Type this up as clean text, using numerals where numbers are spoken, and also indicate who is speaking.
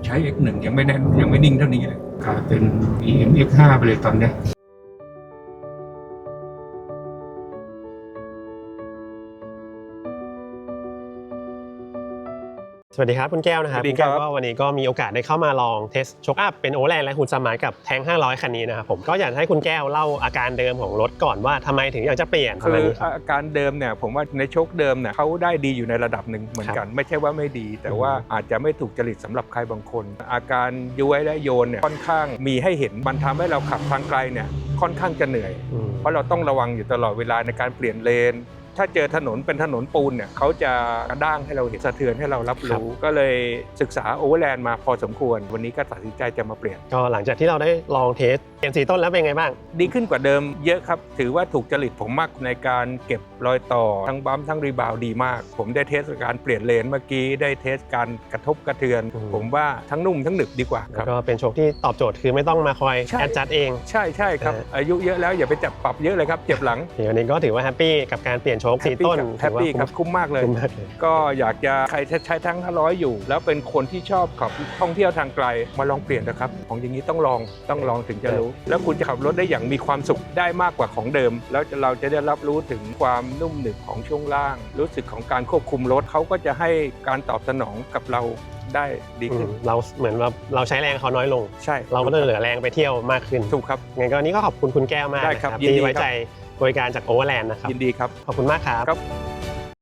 Speaker 1: ใช้ X1 ยังไม่แน่นยังไม่นิ่งเท่านี้เลยกลายเป็น BM X5 ไปเลยตอนเนี้ย
Speaker 2: สวัสดีครับคุณแก้วนะครับคุณแก้วก็วันนี้ก็มีโอกาสได้เข้ามาลองเทสช็อคอัพเป็นโอแลนด์และหุ่นสมานกับแทง500คันนี้นะครับผมก็อยากให้คุณแก้วเล่าอาการเดิมของรถก่อนว่าทำไมถึงอยากจะเปลี่ยน
Speaker 1: คืออาการเดิมเนี่ยผมว่าในโชคเดิมเนี่ยเขาได้ดีอยู่ในระดับหนึ่งเหมือนกันไม่ใช่ว่าไม่ดีแต่ว่าอาจจะไม่ถูกจริตสำหรับใครบางคนอาการย้วยและโยนเนี่ยค่อนข้างมีให้เห็นมันทำให้เราขับทางไกลเนี่ยค่อนข้างจะเหนื่อยเพราะเราต้องระวังอยู่ตลอดเวลาในการเปลี่ยนเลนถ้าเจอถนนเป็นถนนปูนเนี่ยเขาจะกระด้างให้เราเห็นสะเทือนให้เรารับรู้ก็เลยศึกษาโอเวอร์แลนด์มาพอสมควรวันนี้ก็ตัดสินใจจะมาเปลี่ยน
Speaker 2: ก็หลังจากที่เราได้ลองเทสเปลี่ยนสีต้นแล้วเป็นไงบ้าง
Speaker 1: ดีขึ้นกว่าเดิมเยอะครับถือว่าถูกจริตผมมากในการเก็บรอยต่อทั้งบัมทั้งรีบาวดีมากผมได้เทสการเปลี่ยนเลนเมื่อกี้ได้เทสการกระทบกระเทือนผมว่าทั้งนุ่มทั้งหนึบดีกว่าครับ
Speaker 2: ก็เป็นโชคที่ตอบโจทย์คือไม่ต้องมาคอยแอดจัดเอง
Speaker 1: ใช่ครับอายุเยอะแล้วอย่าไปจับปรับเยอะเลยครับเจ็บหลัง
Speaker 2: วันนี้ก็ถือว่าแฮปปี้กับการเปลี่ยนโชคสีต้น
Speaker 1: แฮปปี้ครับคุ้มมากเลยก็อยากจะใครใช้ทั้ง500อยู่แล้วเป็นคนที่ชอบขับท่องเที่ยวทางไกลมาลองเปลี่ยนนะครับของอย่างนี้ต้องลองถึงจะรู้แล้วคุณจะขับรถได้อย่างมีความสุขได้มากกว่าของเดิมแล้วเราจะได้รับรู้ถึงความนุ่มหนึบของช่วงล่างรู้สึกของการควบคุมรถเขาก็จะให้การตอบสนองกับเราได้ดีขึ้น
Speaker 2: เราเหมือนว่าเราใช้แรงเขาน้อยลง
Speaker 1: ใช่
Speaker 2: เราก็เลยเหลือแรงไปเที่ยวมากขึ้น
Speaker 1: ถูกครับ
Speaker 2: งั้นก็นี้ก็ขอบคุณคุณแก้วมากนะครับที่ไว้ใจบริการจากโอเวอร์แลนด์นะครับ
Speaker 1: ยินดีครับ
Speaker 2: ขอบคุณมากครับ